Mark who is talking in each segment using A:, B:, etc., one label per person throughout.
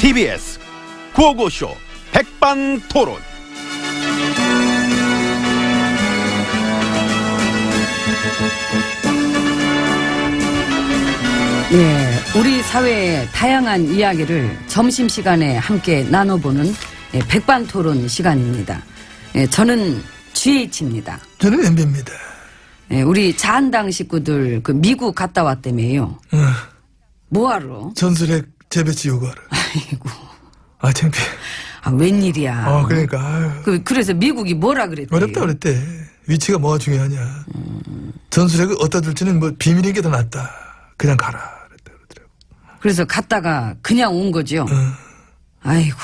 A: TBS 구호고쇼 백반토론.
B: 예, 우리 사회의 다양한 이야기를 점심시간에 함께 나눠보는 백반토론 시간입니다. 저는 GH입니다.
C: 저는 MB입니다.
B: 우리 자한당 식구들 그 미국 갔다 왔다며요. 뭐하러?
C: 전술핵 재배치 요구하러.
B: 아이고.
C: 아, 창피해.
B: 아, 웬일이야.
C: 그러니까. 아유.
B: 그래서 미국이 뭐라 그랬대요?
C: 어렵다 그랬대. 위치가 뭐가 중요하냐. 전술핵을 어디다 둘지는 뭐 비밀인 게 더 낫다. 그냥 가라. 그랬다 그러더라고.
B: 그래서 갔다가 그냥 온 거죠? 아이고.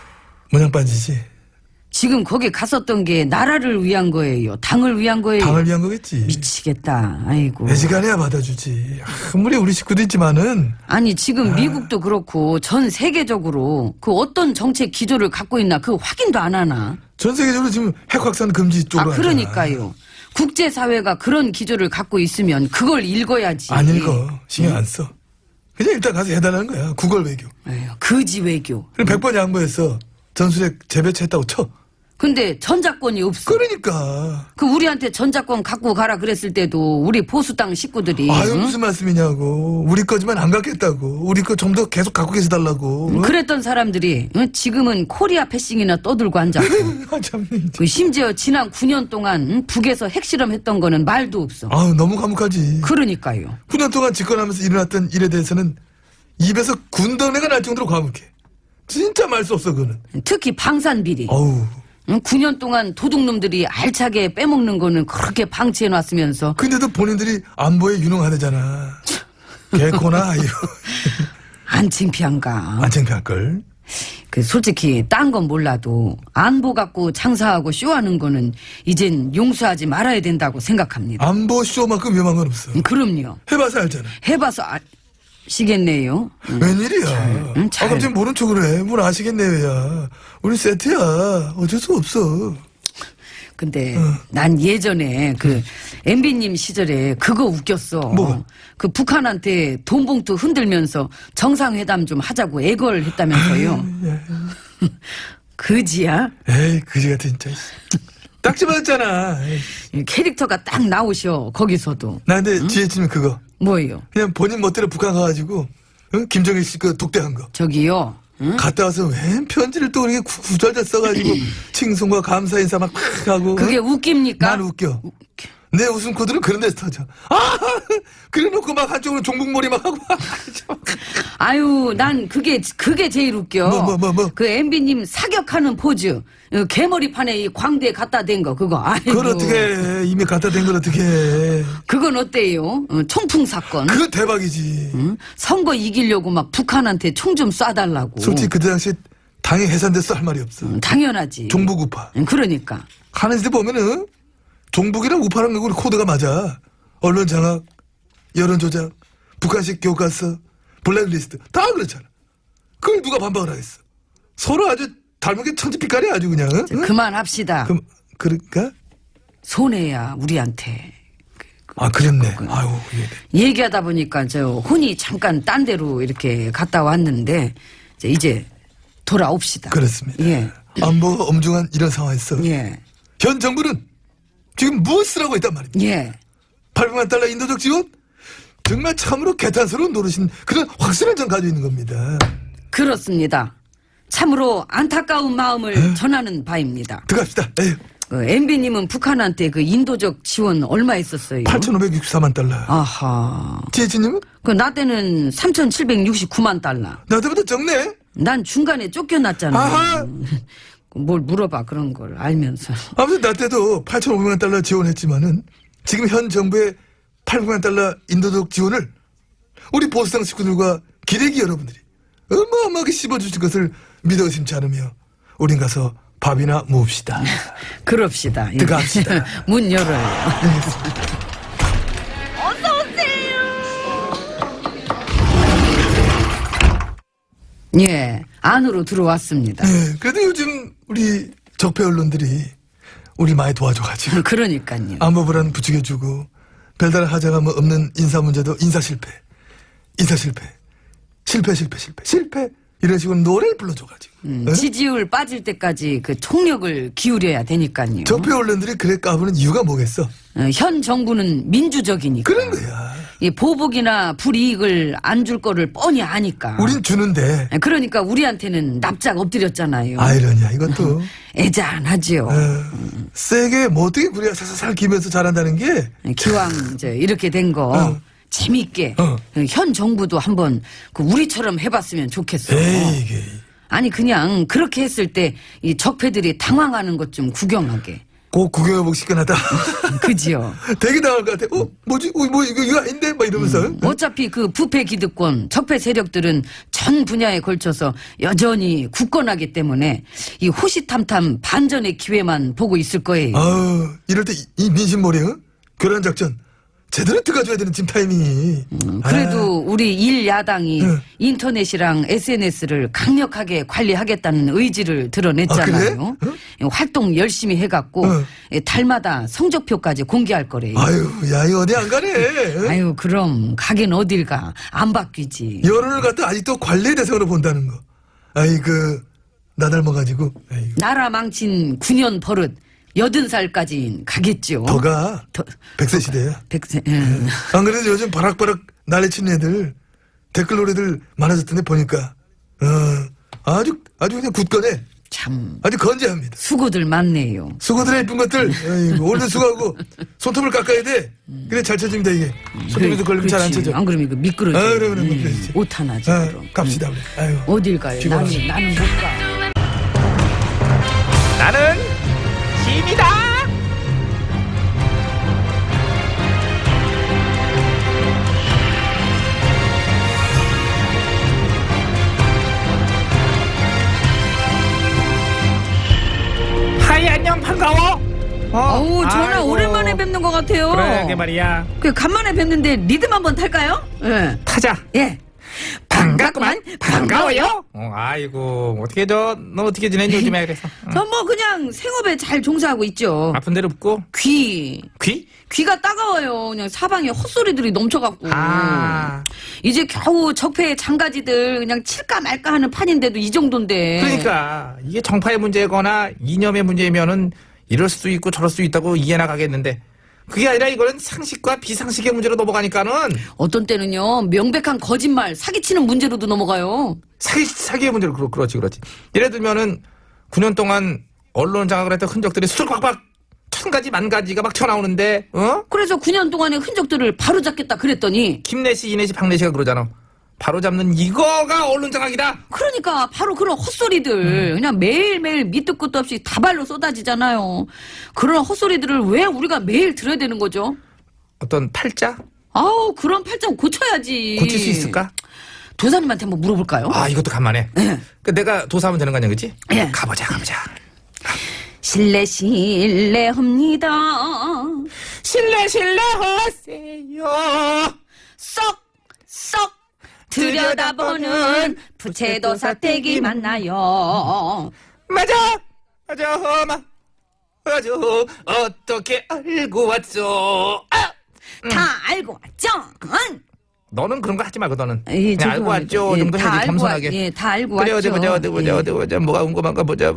C: 모양 빠지지.
B: 지금 거기 갔었던 게 나라를 위한 거예요? 당을 위한 거예요?
C: 당을 위한 거겠지.
B: 미치겠다. 아이고.
C: 애지간해야 받아주지. 아무리 우리 식구도 있지만은.
B: 아니 지금 미국도 그렇고 전 세계적으로 그 어떤 정책 기조를 갖고 있나 그 확인도 안 하나?
C: 전 세계적으로 지금 핵 확산 금지 쪽으로
B: 그러니까요. 국제사회가 그런 기조를 갖고 있으면 그걸 읽어야지.
C: 안 읽어. 신경 안 써. 그냥 일단 가서 해달라는 거야. 구걸 외교.
B: 에휴, 거지 외교.
C: 그럼 100번 양보해서 전술핵 재배치했다고 쳐.
B: 근데 전작권이 없어.
C: 그러니까.
B: 그 우리한테 전작권 갖고 가라 그랬을 때도 우리 보수당 식구들이
C: 아유, 무슨 말씀이냐고. 우리 거지만 안 갖겠다고. 우리 거 좀 더 계속 갖고 계셔달라고.
B: 그랬던 사람들이 지금은 코리아 패싱이나 떠들고 앉았고
C: 아, 참.
B: 그 심지어 지난 9년 동안 북에서 핵실험했던 거는 말도 없어.
C: 아우, 너무 감옥하지.
B: 그러니까요.
C: 9년 동안 집권하면서 일어났던 일에 대해서는 입에서 군더내가 날 정도로 과묵해. 진짜 말 수 없어, 그거는.
B: 특히 방산비리.
C: 어우.
B: 9년 동안 도둑놈들이 알차게 빼먹는 거는 그렇게 방치해놨으면서
C: 근데도 본인들이 안보에 유능하대잖아. 개코나, 아유.
B: 안 창피한가.
C: 안 창피할걸.
B: 그 솔직히 딴 건 몰라도 안보 갖고 장사하고 쇼하는 거는 이젠 용서하지 말아야 된다고 생각합니다.
C: 안보 쇼만큼 위험한 건 없어.
B: 그럼요.
C: 해봐서 알잖아.
B: 해봐서 아시겠네요.
C: 웬일이야.
B: 잘.
C: 갑자기 모른 척을 해. 뭘 아시겠네, 왜야. 우리 세트야. 어쩔 수 없어.
B: 근데 난 예전에 그 MB님 시절에 그거 웃겼어.
C: 뭐가?
B: 그 북한한테 돈 봉투 흔들면서 정상회담 좀 하자고 애걸했다면서요. 그지야?
C: 에이, 그지 같은 진짜. 딱 집어졌잖아.
B: 캐릭터가 딱 나오셔 거기서도.
C: 나 근데 지혜진은 그거.
B: 뭐예요?
C: 그냥 본인 멋대로 북한 가가지고, 응? 김정일 씨 그 독대한 거.
B: 저기요. 응?
C: 갔다 와서 웬 편지를 또 그렇게 구절절 써가지고, 칭송과 감사 인사 막 하고.
B: 그게
C: 응?
B: 웃깁니까?
C: 난 웃겨. 내 웃음 코드는 그런 데서 터져. 그래 놓고 막 한쪽으로 종북몰이 막 하고.
B: 아유, 난 그게 제일 웃겨.
C: 뭐.
B: 그 MB님 사격하는 포즈. 개머리판에 이 광대 갖다 댄 거, 그거. 아이고.
C: 그걸 어떻게 해. 이미 갖다 댄 걸 어떻게 해.
B: 그건 어때요? 총풍 사건.
C: 그거 대박이지.
B: 응? 선거 이기려고 막 북한한테 총 좀 쏴달라고.
C: 솔직히 그때 당시 당이 해산됐어 할 말이 없어.
B: 당연하지.
C: 종북 우파.
B: 그러니까.
C: 하는 짓 보면은 종북이랑 우파랑 우리 코드가 맞아. 언론 장악, 여론 조작, 북한식 교과서, 블랙리스트 다 그렇잖아. 그걸 누가 반박을 하겠어. 서로 아주 닮은 게 천지빛깔이야 아주 그냥. 응?
B: 그만합시다.
C: 그러니까?
B: 손해야 우리한테.
C: 그랬네. 아유,
B: 얘기하다 보니까 저 혼이 잠깐 딴 데로 이렇게 갔다 왔는데 이제 돌아옵시다.
C: 그렇습니다.
B: 예.
C: 안보가 엄중한 이런 상황에서
B: 예.
C: 현 정부는 지금 무엇을 하고 있단 말입니다.
B: 예.
C: 800만 달러 인도적 지원? 정말 참으로 개탄스러운 노릇인 그런 확신을 전 가지고 있는 겁니다.
B: 그렇습니다. 참으로 안타까운 마음을 전하는 바입니다.
C: 들어갑시다. 에휴.
B: MB님은 북한한테 그 인도적 지원 얼마 했었어요?
C: 8,564만 달러.
B: 아하.
C: 지혜진님은?
B: 나 때는 3,769만 달러.
C: 나한테보다 적네?
B: 난 중간에 쫓겨났잖아.
C: 아하!
B: 뭘 물어봐 그런 걸 알면서.
C: 아무튼 나 때도 8,500만 달러 지원했지만은 지금 현 정부의 800만 달러 인도적 지원을 우리 보수당 식구들과 기레기 여러분들이 어마어마하게 씹어주실 것을 믿어 의심치 않으며 우린 가서 밥이나 모읍시다.
B: 그럽시다.
C: 들어갑시다.
B: 문 열어요. 예, 안으로 들어왔습니다.
C: 네, 그래도 요즘 우리 적폐 언론들이 우리 많이 도와줘가지고
B: 그러니까요.
C: 안보불안 부추겨주고 별다른 하자가 뭐 없는 인사 문제도 인사 실패, 실패, 이런 식으로 노래를 불러줘가지고 어?
B: 지지율 빠질 때까지 그 총력을 기울여야 되니까요.
C: 적폐 언론들이 그래 까부는 이유가 뭐겠어?
B: 현 정부는 민주적이니까.
C: 그런 거야.
B: 이 보복이나 불이익을 안 줄 거를 뻔히 아니까.
C: 우린 주는데
B: 그러니까 우리한테는 납작 엎드렸잖아요.
C: 아이러니야 이것도.
B: 애잔하지요.
C: 세게 뭐 어떻게 그래야 살살 기면서 잘한다는 게
B: 기왕 이제 이렇게 된 거
C: 어.
B: 재밌게
C: 어.
B: 현 정부도 한번 그 우리처럼 해봤으면 좋겠어.
C: 에이 이게
B: 아니 그냥 그렇게 했을 때 이 적폐들이 당황하는 것 좀 구경하게.
C: 꼭 구경해보고 싶긴 하다.
B: 그지요.
C: 되게 당할 것 같아. 뭐지? 뭐 이거 아닌데? 막 이러면서.
B: 어차피 그 부패 기득권, 적폐 세력들은 전 분야에 걸쳐서 여전히 굳건하기 때문에 이 호시탐탐 반전의 기회만 보고 있을 거예요.
C: 아우 이럴 때 이 민심머리 교란 작전 제대로 들어가줘야 되는 지금 타이밍이.
B: 그래도 우리 일야당이
C: 응.
B: 인터넷이랑 SNS를 강력하게 관리하겠다는 의지를 드러냈잖아요.
C: 아, 그래?
B: 활동 열심히 해갖고
C: 응.
B: 달마다 성적표까지 공개할 거래요.
C: 아유 야 이거 어디 안 가네.
B: 아유 그럼 가긴 어딜 가. 안 바뀌지.
C: 여론을 갖다 아직도 관례 대상으로 본다는 거. 아이고 나 닮아가지고. 아이고.
B: 나라 망친 9년 버릇 80살까지 가겠죠.
C: 더가
B: 더-
C: 100세 시대야.
B: 100세.
C: 안 그래도 요즘 바락바락 난리치는 애들 댓글 노래들 많아졌던데 보니까 아주 그냥 굳건해.
B: 참
C: 아주 건재합니다.
B: 수고들 많네요.
C: 수고들의 이쁜 것들 아이고, 오늘도 수고하고 손톱을 깎아야 돼. 그래 잘 쳐집니다 이게. 손톱에도 걸리면 잘 안
B: 그렇지.
C: 쳐져.
B: 안 그러면 이거 미끄러져.
C: 아, 그래, 그렇지.
B: 옷 하나지.
C: 아,
B: 그럼.
C: 갑시다 우리. 아유.
B: 어딜 가요?
C: 피곤하네.
B: 나는 못 가.
D: 나는 힘이다. 하이 안녕 반가워.
B: 어우 전화
D: 아이고.
B: 오랜만에 뵙는 것 같아요.
D: 그러게 말이야.
B: 그 간만에 뵙는데 리듬 한번 탈까요? 예.
D: 타자.
B: 예.
D: 반갑구만. 반가워요. 아이고 어떻게 너 어떻게 지냈니 요즘에 그래서.
B: 전 뭐 그냥 생업에 잘 종사하고 있죠.
D: 아픈 데로 붓고
B: 귀.
D: 귀?
B: 귀가 따가워요. 그냥 사방에 헛소리들이 넘쳐갖고.
D: 아.
B: 이제 겨우 적폐의 장가지들 그냥 칠까 말까 하는 판인데도 이 정도인데.
D: 그러니까 이게 정파의 문제거나 이념의 문제면은 이럴 수도 있고 저럴 수도 있다고 이해나 가겠는데 그게 아니라 이거는 상식과 비상식의 문제로 넘어가니까는
B: 어떤 때는요 명백한 거짓말 사기치는 문제로도 넘어가요.
D: 사기의 문제로 그렇지. 예를 들면은 9년 동안 언론 장악을 했던 흔적들이 수두룩박박 천 가지 만 가지가 막 튀어나오는데
B: 그래서 9년 동안의 흔적들을 바로잡겠다 그랬더니
D: 김내시 이내시 박내시가 그러잖아. 바로 잡는 이거가 언론 장악이다.
B: 그러니까 바로 그런 헛소리들 그냥 매일매일 밑도 끝도 없이 다발로 쏟아지잖아요. 그런 헛소리들을 왜 우리가 매일 들어야 되는 거죠?
D: 어떤 팔자
B: 아우 그런 팔짱 고쳐야지.
D: 고칠 수 있을까?
B: 도사님한테 한번 물어볼까요?
D: 아 이것도 간만에. 그 내가 도사하면 되는 거 아니야, 그치?
B: 예.
D: 가보자.
B: 실례합니다.
D: 실례하세요.
B: 쏙 들여다보는 부채도사 댁이 만나요.
D: 맞아. 어떻게 알고 왔어?
B: 다 알고 왔죠? 응?
D: 너는 그런 거 하지 말고 너는
B: 예,
D: 그냥 알고
B: 죄송합니다.
D: 왔죠.
B: 예,
D: 정도
B: 다
D: 해야지
B: 알고
D: 겸손하게.
B: 예, 다 알고
D: 그래
B: 왔죠.
D: 어디 보자. 뭐가 궁금한가 보자.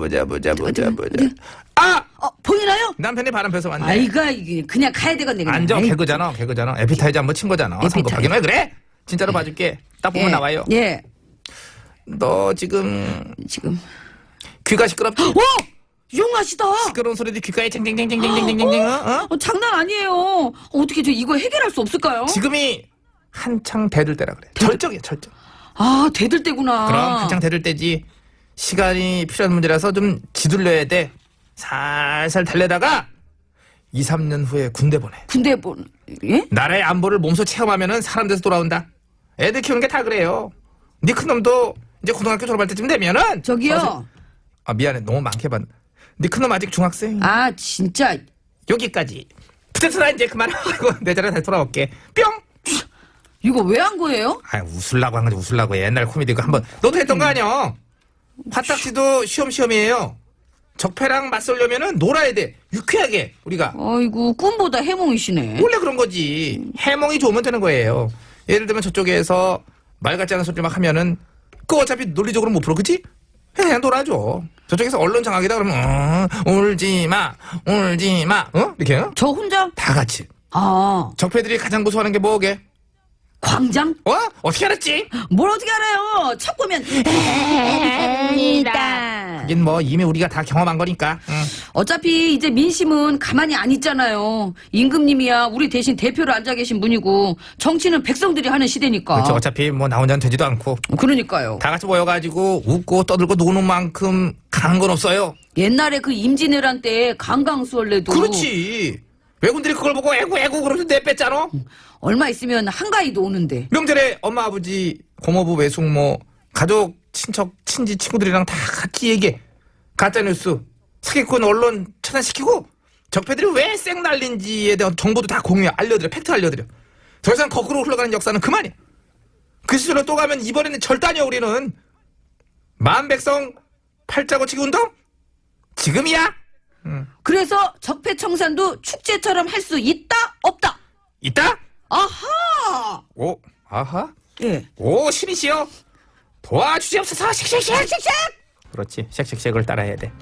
D: 아
B: 보이나요?
D: 남편이 바람 펴서 왔네.
B: 아이가 이게 그냥 가야 되겠네. 그냥.
D: 앉아
B: 아이,
D: 개그잖아. 에피타이저 한번 친 거잖아.
B: 에피타이저.
D: 선거 확인 왜 그래? 진짜로 봐줄게. 딱 보면
B: 예,
D: 나와요.
B: 예,
D: 너 지금
B: 지금.
D: 귀가 시끄럽지?
B: 오, 용하시다.
D: 시끄러운 소리도 귓가에 쟁쟁쟁쟁쟁쟁쟁쟁.
B: 장난 아니에요. 어떻게 저 이거 해결할 수 없을까요?
D: 지금이 한창 대들 때라 그래. 절정이야 절정.
B: 아, 대들 때구나.
D: 그럼 한창 대들 때지. 시간이 필요한 문제라서 좀 지둘려야 돼. 살살 달래다가 2, 3년 후에 군대 보내.
B: 군대 예?
D: 나라의 안보를 몸소 체험하면은 사람 돼서 돌아온다. 애들 키우는 게 다 그래요. 네 큰놈도 이제 고등학교 졸업할 때쯤 되면은
B: 저기요.
D: 아 미안해 너무 많게 봤. 네 큰놈 아직 중학생.
B: 아, 진짜.
D: 여기까지. 붙여서 이제 그만하고 내 자리에 다시 돌아올게. 뿅.
B: 이거 왜 한 거예요?
D: 아 웃으려고 한 거지 웃으려고. 옛날 코미디 그 한번 너도 했던 거 아니야. 화딱지도 시험이에요. 적폐랑 맞설려면은 놀아야 돼. 유쾌하게 우리가.
B: 아이고, 꿈보다 해몽이시네.
D: 원래 그런 거지. 해몽이 좋으면 되는 거예요. 예를 들면 저쪽에서 말 같지 않은 소리 막 하면은 그거 어차피 논리적으로 못 풀어, 그치? 그냥 놀아줘. 저쪽에서 언론 장악이다 그러면 울지 마, 이렇게
B: 저 혼자?
D: 다 같이.
B: 아,
D: 적폐들이 가장 무서워하는 게 뭐게?
B: 광장?
D: 어떻게 알았지?
B: 뭘 어떻게 알아요? 척 보면 아니다.
D: 하긴 뭐 이미 우리가 다 경험한 거니까.
B: 어차피 이제 민심은 가만히 안 있잖아요. 임금님이야 우리 대신 대표로 앉아 계신 분이고 정치는 백성들이 하는 시대니까.
D: 그렇죠. 어차피 뭐 나 혼자는 되지도 않고
B: 그러니까요.
D: 다 같이 모여가지고 웃고 떠들고 노는 만큼 강한 건 없어요.
B: 옛날에 그 임진왜란 때 강강수월래도
D: 그렇지. 외군들이 그걸 보고 애고 그러면서 내뺐잖아.
B: 얼마 있으면 한가위도 오는데.
D: 명절에 엄마 아버지 고모부 외숙모 가족 친척 친지 친구들이랑 다 같이 얘기해. 가짜뉴스 사기꾼 언론 차단시키고 적폐들이 왜 쌩 날린지에 대한 정보도 다 공유해. 알려드려. 팩트 알려드려. 더 이상 거꾸로 흘러가는 역사는 그만이야. 그 시절로 또 가면 이번에는 절단이야. 우리는 만백성 팔자고치기 운동 지금이야.
B: 그래서 적폐청산도 축제처럼 할 수 있다 없다.
D: 있다.
B: 아하.
D: 오 아하.
B: 예.
D: 오 신이시여 도와주시옵소서. 쉑쉑쉑. 그렇지. 쉑쉑쉑을 따라해야 돼.